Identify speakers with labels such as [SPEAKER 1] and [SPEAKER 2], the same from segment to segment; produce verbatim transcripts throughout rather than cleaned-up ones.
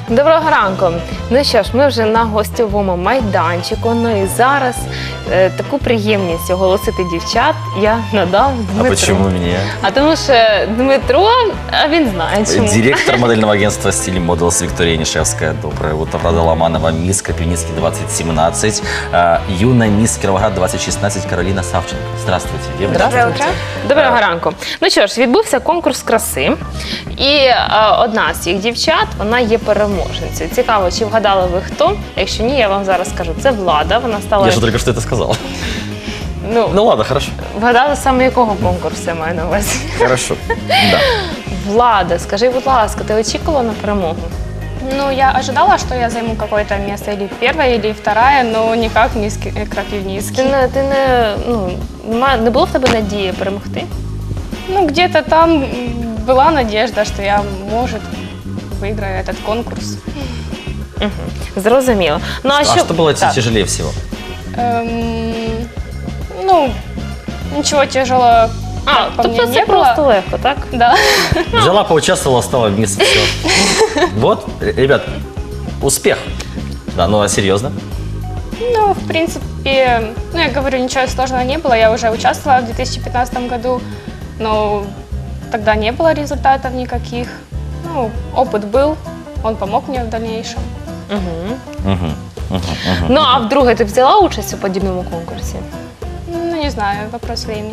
[SPEAKER 1] Доброго ранку. Ну що ж, ми вже на гостьовому майданчику. Ну і зараз е, таку приємність оголосити дівчат я надав Дмитру.
[SPEAKER 2] А почему мне?
[SPEAKER 1] А тому що Дмитро, а він знає чому.
[SPEAKER 2] Директор модельного агентства «Стиль Models» Виктория Нишевская. Доброе утро. Рада Ломанова, мисс Копивницкий двадцать семнадцать. Э, юная мисс Кировоград двадцать шестнадцать Каролина Савченко. Здравствуйте, девочки.
[SPEAKER 1] Доброе утро. Доброго ранку. Ну що ж, відбувся конкурс краси. І е, одна з цих дівчат, вона є переможницею. Цікаво, чи вгадали ви хто? Якщо ні, я вам зараз скажу. Це Влада. Вона стала...
[SPEAKER 2] Я же только что это сказал.
[SPEAKER 1] Ну,
[SPEAKER 2] Ну ладно, хорошо.
[SPEAKER 1] вгадали саме якого конкурсу, я маю на увазі.
[SPEAKER 2] Хорошо. Да.
[SPEAKER 1] Влада, скажи, будь ласка, ти очікувала на перемогу?
[SPEAKER 3] Ну, я ожидала, что я займу какое-то место, или первое, или второе, но никак не
[SPEAKER 1] Ти
[SPEAKER 3] Крапивницкий.
[SPEAKER 1] не, ти не, ну, нема- не було в тебе надії перемогти?
[SPEAKER 3] Ну, где-то там м, была надежда, что я, может, выиграю этот конкурс.
[SPEAKER 1] Угу. Зрозуміло. Ну,
[SPEAKER 2] А что было
[SPEAKER 1] так.
[SPEAKER 2] тяжелее всего?
[SPEAKER 3] Эм, ну, ничего тяжелого
[SPEAKER 1] А,
[SPEAKER 3] по
[SPEAKER 1] тобто
[SPEAKER 3] мне
[SPEAKER 1] це
[SPEAKER 3] не
[SPEAKER 1] просто
[SPEAKER 3] было.
[SPEAKER 1] легко, так?
[SPEAKER 3] Да.
[SPEAKER 2] Взяла, поучаствовала, стала мисс, все. Вот, ребят, успех. Да, ну а серьезно?
[SPEAKER 3] Ну, в принципе, ну, я говорю, ничего сложного не было. Я уже участвовала в две тысячи пятнадцатом году, но тогда не было результатов никаких. Ну, опыт был, он помог мне в дальнейшем.
[SPEAKER 1] Угу.
[SPEAKER 2] Угу. Угу. Угу.
[SPEAKER 1] Ну, а вдруге, ти взяла участь у подібному конкурсі?
[SPEAKER 3] Ну, не знаю, вопрос времени.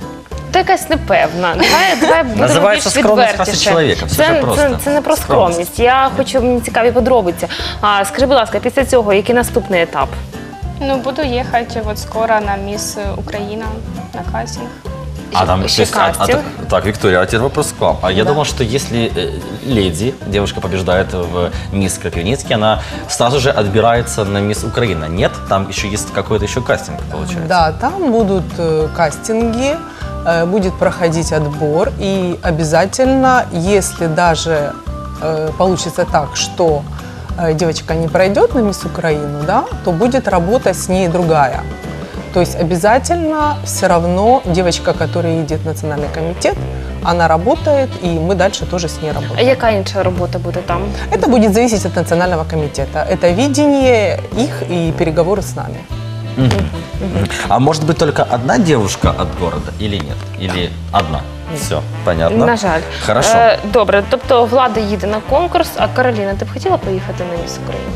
[SPEAKER 1] Ти якась непевна. Давай, давай будемо
[SPEAKER 2] Називається
[SPEAKER 1] більш
[SPEAKER 2] скромність
[SPEAKER 1] відвертіше.
[SPEAKER 2] краси чоловіка. Все
[SPEAKER 1] Це,
[SPEAKER 2] ж просто.
[SPEAKER 1] це, це не про
[SPEAKER 2] Скромність.
[SPEAKER 1] скромність. Я хочу, мені цікаві подробиці. А, скажи, будь ласка, після цього, який наступний етап?
[SPEAKER 3] Ну, буду ехать вот скоро на Мисс Украина, на кастинг.
[SPEAKER 2] А там,
[SPEAKER 1] Еще
[SPEAKER 2] то есть, а- а
[SPEAKER 1] кастинг.
[SPEAKER 2] так, так, Виктория, а теперь вопрос к вам. А я думал, что если э, леди, девушка побеждает в мисс Крапивницкий, она сразу же отбирается на мисс Украина. Нет? Там еще есть какой-то еще кастинг, получается.
[SPEAKER 4] Да, там будут э, кастинги, э, будет проходить отбор, и обязательно, если даже э, получится так, что э, девочка не пройдет на мисс Украину, да, то будет работа с ней другая. То есть обязательно все равно девочка, которая едет в национальный комитет, она работает, и мы дальше тоже с ней
[SPEAKER 1] А
[SPEAKER 4] работаем.
[SPEAKER 1] яка інша робота буде там?
[SPEAKER 4] Это будет зависеть от национального комитета. Это видение их и переговоры с нами.
[SPEAKER 2] Мгм. Мгм. А может быть только одна девушка от города или нет? Или одна? Все, понятно.
[SPEAKER 1] На жаль.
[SPEAKER 2] Хорошо.
[SPEAKER 1] Е, добре, тобто Влада їде на конкурс, а Кароліна, ти б хотіла поїхати на міс України?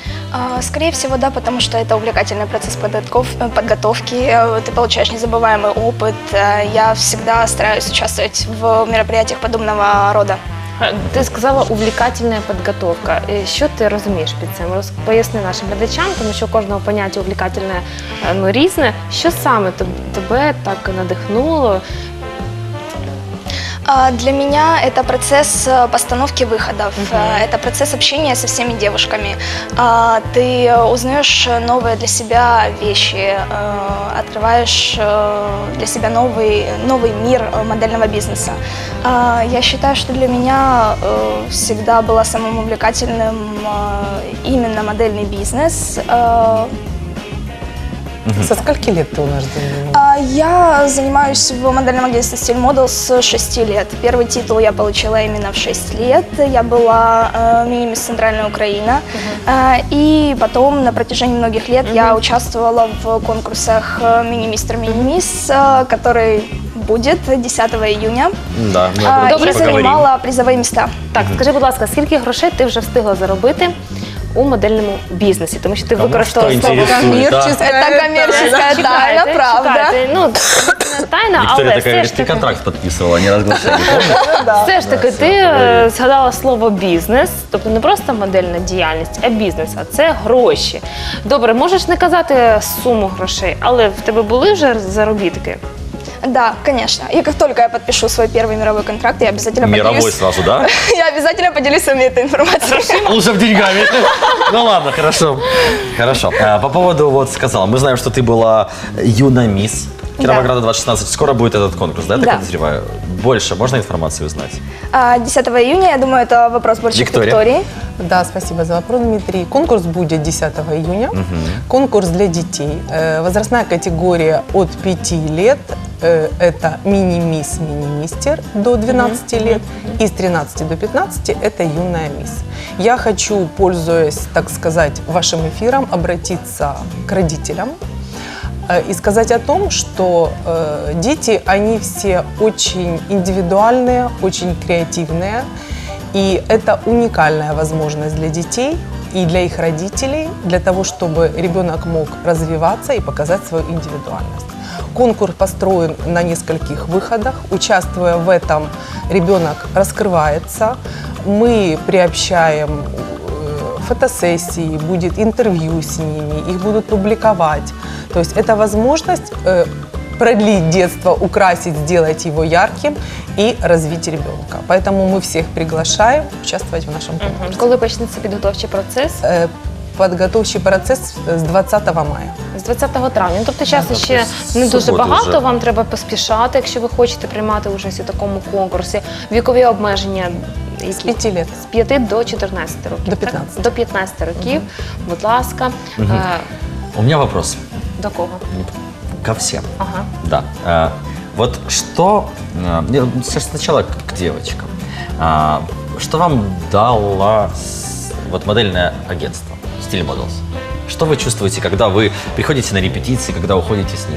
[SPEAKER 5] А, Скорее всего, да, потому что это увлекательный процесс подготов- подготовки, э, ты получаешь незабываемый опыт. Э, Я всегда стараюсь участвовать в мероприятиях подобного рода.
[SPEAKER 1] Е, Ти сказала увлікательна підготовка. Е, Що ти розумієш під цим? Роз- Поясни нашим глядачам, тому що у кожного поняття увлікательне е, ну, різне. Що саме теб- тебе так надихнуло?
[SPEAKER 5] А, Для меня это процесс э, постановки выходов, э, это процесс общения со всеми девушками. А, Ты узнаешь новые для себя вещи, э, открываешь э, для себя новый, новый мир э, модельного бизнеса. А, Я считаю, что для меня э, всегда было самым увлекательным э, именно модельный бизнес. Э,
[SPEAKER 4] Со скольки лет ты у нас занимаешься?
[SPEAKER 5] а, Я занимаюсь в модельном агентстве «Стиль Models с шести лет. Первый титул я получила именно в шесть лет. Я была э, мини-мисс Центральная Украина. Э, и потом на протяжении многих лет я участвовала в конкурсах э, «Мини-мистер», «Мини-мисс», э, который будет десятого июня.
[SPEAKER 2] Да, мы
[SPEAKER 5] А,
[SPEAKER 2] об этом
[SPEAKER 5] и
[SPEAKER 2] еще поговорим.
[SPEAKER 5] занимала призовые места.
[SPEAKER 1] Так, скажи, будь ласка, скільки грошей ти вже встигла заробити у модельному бізнесі? Тому що ти
[SPEAKER 2] Кому
[SPEAKER 1] використала
[SPEAKER 2] що
[SPEAKER 1] слово
[SPEAKER 2] інтересує, да?
[SPEAKER 5] Это коммерческая тайна,
[SPEAKER 1] Чекайте,
[SPEAKER 5] правда.
[SPEAKER 1] чекайте. Ну, не тайна,
[SPEAKER 2] Виктория
[SPEAKER 1] але
[SPEAKER 2] такая
[SPEAKER 1] все
[SPEAKER 2] говорит,
[SPEAKER 1] ж
[SPEAKER 2] ты
[SPEAKER 1] таки,
[SPEAKER 2] контракт подписывала, не разглашение, помнишь?
[SPEAKER 1] все ж таки
[SPEAKER 2] Да,
[SPEAKER 1] ти
[SPEAKER 2] все,
[SPEAKER 1] е,
[SPEAKER 2] говори.
[SPEAKER 1] згадала слово бізнес, тобто не просто модельна діяльність, а бізнес, а це гроші. Добре, можеш не казати суму грошей, але в тебе були вже заробітки?
[SPEAKER 5] Да, конечно. И как только я подпишу свой первый мировой контракт, я обязательно
[SPEAKER 2] Мировой
[SPEAKER 5] поделюсь.
[SPEAKER 2] сразу, да?
[SPEAKER 5] Я обязательно поделюсь с вами этой информацией.
[SPEAKER 2] Лучше в деньгами. Ну ладно, хорошо. Хорошо. А, По поводу, вот сказала, мы знаем, что ты была юна мисс Кировограда двадцать шестнадцать. Скоро будет этот конкурс, да, я так
[SPEAKER 5] Да.
[SPEAKER 2] подозреваю? Больше можно информации узнать?
[SPEAKER 5] А, десятого июня, я думаю, это вопрос больше
[SPEAKER 2] Виктория.
[SPEAKER 5] к Виктории.
[SPEAKER 4] Да, спасибо за вопрос, Дмитрий. Конкурс будет десятого июня. Конкурс для детей. Э, Возрастная категория от пяти лет э, это мини-мисс, мини-мистер до двенадцати лет, и с тринадцати до пятнадцати это юная мисс. Я хочу, пользуясь, так сказать, вашим эфиром, обратиться к родителям э, и сказать о том, что э, дети, они все очень индивидуальные, очень креативные, и это уникальная возможность для детей и для их родителей, для того, чтобы ребенок мог развиваться и показать свою индивидуальность. Конкурс построен на нескольких выходах. Участвуя в этом, ребенок раскрывается. Мы приобщаем э, фотосессии, будет интервью с ними, их будут публиковать. То есть это возможность э, продлить детство, украсить, сделать его ярким и развить ребенка. Поэтому мы всех приглашаем участвовать в нашем конкурсе.
[SPEAKER 1] Коли почнеться підготовчий процес?
[SPEAKER 4] Е, Підготовчий процес з двадцятого мая.
[SPEAKER 1] З двадцятого травня. Ну, тобто часу
[SPEAKER 2] тобто
[SPEAKER 1] ще
[SPEAKER 2] з
[SPEAKER 1] не дуже
[SPEAKER 2] суботи
[SPEAKER 1] багато,
[SPEAKER 2] вже.
[SPEAKER 1] вам треба поспішати, якщо ви хочете приймати участь у такому конкурсі. Вікові обмеження які?
[SPEAKER 4] З п'яти лет.
[SPEAKER 1] З п'яти до чотирнадцяти років.
[SPEAKER 4] До
[SPEAKER 1] так?
[SPEAKER 4] п'ятнадцяти.
[SPEAKER 1] До п'ятнадцяти років, будь ласка. Е,
[SPEAKER 2] У меня вопрос
[SPEAKER 1] До кого?
[SPEAKER 2] ко всем.
[SPEAKER 1] Ага.
[SPEAKER 2] Да. Э, Вот что, э, мне сейчас сначала к к девочкам. А, Что вам дало с- вот модельное агентство Style Models? Что вы чувствуете, когда вы приходите на репетиции, когда уходите с них?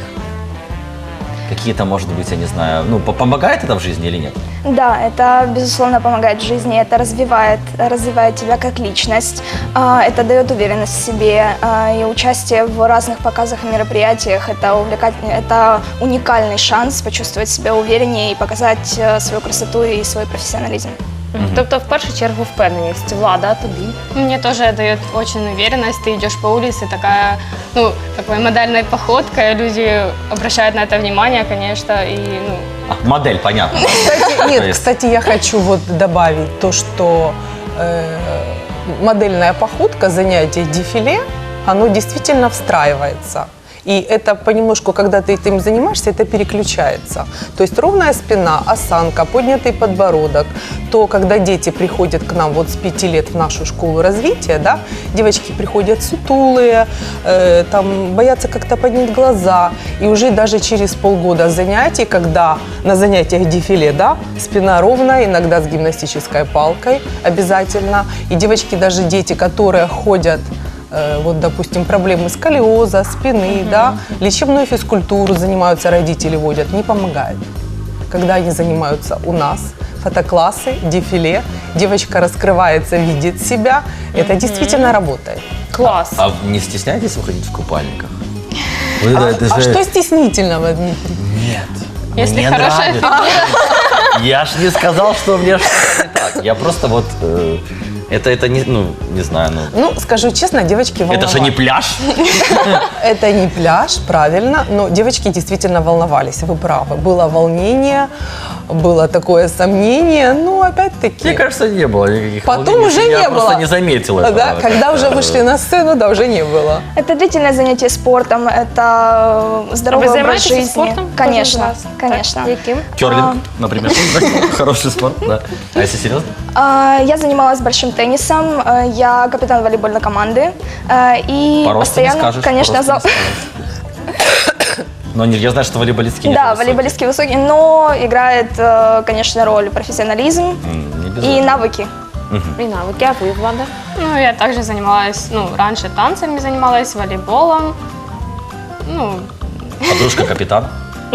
[SPEAKER 2] Какие-то, может быть, я не знаю, ну, по- помогает это в жизни или нет?
[SPEAKER 5] Да, это, безусловно, помогает в жизни, это развивает, развивает тебя как личность, а, это дает уверенность в себе, а, и участие в разных показах и мероприятиях, это, увлекательный, это уникальный шанс почувствовать себя увереннее и показать э, свою красоту и свой профессионализм.
[SPEAKER 1] Тобто, в першу чергу, впевненість. Влада, а тобі?
[SPEAKER 3] Мне тоже дает очень уверенность. Ты идешь по улице, такая, ну, такой модельной походкой, люди обращают на это внимание, конечно, и, ну,
[SPEAKER 2] А, модель, понятно.
[SPEAKER 4] Кстати,
[SPEAKER 2] То
[SPEAKER 4] нет,
[SPEAKER 2] есть-
[SPEAKER 4] кстати, я хочу вот добавить то, что э, модельная походка, занятие дефиле, оно действительно встраивается. И это понемножку, когда ты этим занимаешься, это переключается. То есть ровная спина, осанка, поднятый подбородок. То, когда дети приходят к нам вот с пяти лет в нашу школу развития, да, девочки приходят сутулые, э, там, боятся как-то поднять глаза. И уже даже через полгода занятий, когда на занятиях дефиле, да, спина ровная, иногда с гимнастической палкой обязательно. И девочки, даже дети, которые ходят, э, вот, допустим, проблемы сколиоза, спины, да, лечебную физкультуру занимаются, родители водят, не помогает. Когда они занимаются у нас, фотоклассы, дефиле, девочка раскрывается, видит себя, это действительно работает.
[SPEAKER 1] Клас.
[SPEAKER 2] А не стесняетесь выходить в купальниках? Вы,
[SPEAKER 4] А,
[SPEAKER 2] да, это
[SPEAKER 4] а
[SPEAKER 2] же-
[SPEAKER 4] что стеснительного, Дмитрий?
[SPEAKER 2] Нет.
[SPEAKER 3] Если
[SPEAKER 2] мне
[SPEAKER 3] хорошая
[SPEAKER 2] нравится. Я ж не сказал, что мне что-то не так. Я просто вот... э, это, это не, ну, не знаю, ну...
[SPEAKER 4] Ну, скажу честно, девочки
[SPEAKER 2] Это
[SPEAKER 4] волновались.
[SPEAKER 2] же не пляж.
[SPEAKER 4] Это не пляж, правильно, но девочки действительно волновались, вы правы. Было волнение, было такое сомнение, но опять-таки...
[SPEAKER 2] Мне кажется, не было никаких
[SPEAKER 4] Потом
[SPEAKER 2] волнений.
[SPEAKER 4] уже
[SPEAKER 2] Я
[SPEAKER 4] не
[SPEAKER 2] просто
[SPEAKER 4] было.
[SPEAKER 2] не заметил этого.
[SPEAKER 4] Да, когда уже
[SPEAKER 2] Как-то,
[SPEAKER 4] вышли на сцену, да, уже не было.
[SPEAKER 5] Это длительное занятие спортом, это здоровый
[SPEAKER 1] Ви
[SPEAKER 5] образ
[SPEAKER 1] займаєтеся
[SPEAKER 5] жизни.
[SPEAKER 1] спортом? Кожен з
[SPEAKER 5] Конечно,
[SPEAKER 1] вас?
[SPEAKER 5] конечно.
[SPEAKER 1] Так? Яким?
[SPEAKER 2] Керлинг, например. Хороший спорт, да. А если серьезно?
[SPEAKER 5] А, Я занималась большим теннисом, э, я капитан волейбольной команды, э, и
[SPEAKER 2] По росту не
[SPEAKER 5] постоянно,
[SPEAKER 2] скажешь.
[SPEAKER 5] конечно,
[SPEAKER 2] по росту
[SPEAKER 5] за...
[SPEAKER 2] не скажешь. Но не- я знаю, что волейболистки не
[SPEAKER 5] Да,
[SPEAKER 2] тоже
[SPEAKER 5] волейболистки высокие, но играет, э, конечно, роль профессионализм
[SPEAKER 2] высокие. М, не без
[SPEAKER 5] и
[SPEAKER 2] этого.
[SPEAKER 5] навыки.
[SPEAKER 1] І навики, а ви, Влада?
[SPEAKER 3] ну, я также занималась, ну, раньше танцами занималась, волейболом, ну,
[SPEAKER 2] Подружка капитан.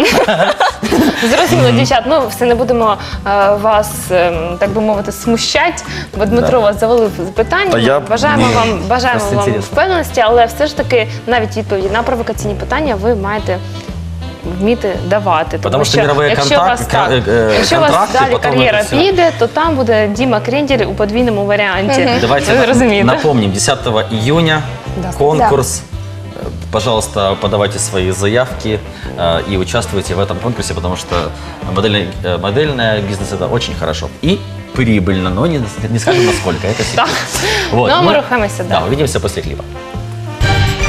[SPEAKER 1] Зрозуміло, дівчат, ну все не будемо е, вас, е, так би мовити, смущати, бо Дмитро
[SPEAKER 2] Да.
[SPEAKER 1] вас завалив питання.
[SPEAKER 2] Та я-
[SPEAKER 1] Бажаємо
[SPEAKER 2] ні,
[SPEAKER 1] вам, бажаємо
[SPEAKER 2] просто
[SPEAKER 1] вам
[SPEAKER 2] інтересно.
[SPEAKER 1] впевненості, але все ж таки навіть відповіді на провокаційні питання ви маєте вміти давати.
[SPEAKER 2] Потому що мирові
[SPEAKER 1] якщо
[SPEAKER 2] контакт-
[SPEAKER 1] вас, так,
[SPEAKER 2] е, е,
[SPEAKER 1] якщо у вас
[SPEAKER 2] контракти,
[SPEAKER 1] далі
[SPEAKER 2] потім
[SPEAKER 1] кар'єра
[SPEAKER 2] це все.
[SPEAKER 1] піде, то там буде Діма Крендель у подвійному варіанті.
[SPEAKER 2] Давайте
[SPEAKER 1] Ви
[SPEAKER 2] на-
[SPEAKER 1] розумієте?
[SPEAKER 2] напомним, десятого июня
[SPEAKER 4] Да.
[SPEAKER 2] конкурс. Э, Пожалуйста, подавайте свои заявки э, и участвуйте в этом конкурсе, потому что модельный, э, модельный бизнес это очень хорошо и прибыльно, но не, не скажем насколько, это секрет.
[SPEAKER 1] Так.
[SPEAKER 2] Вот,
[SPEAKER 1] Ну, а ми
[SPEAKER 2] мы-
[SPEAKER 1] рухаємося
[SPEAKER 2] Да,
[SPEAKER 1] далі.
[SPEAKER 2] увидимся после клипа.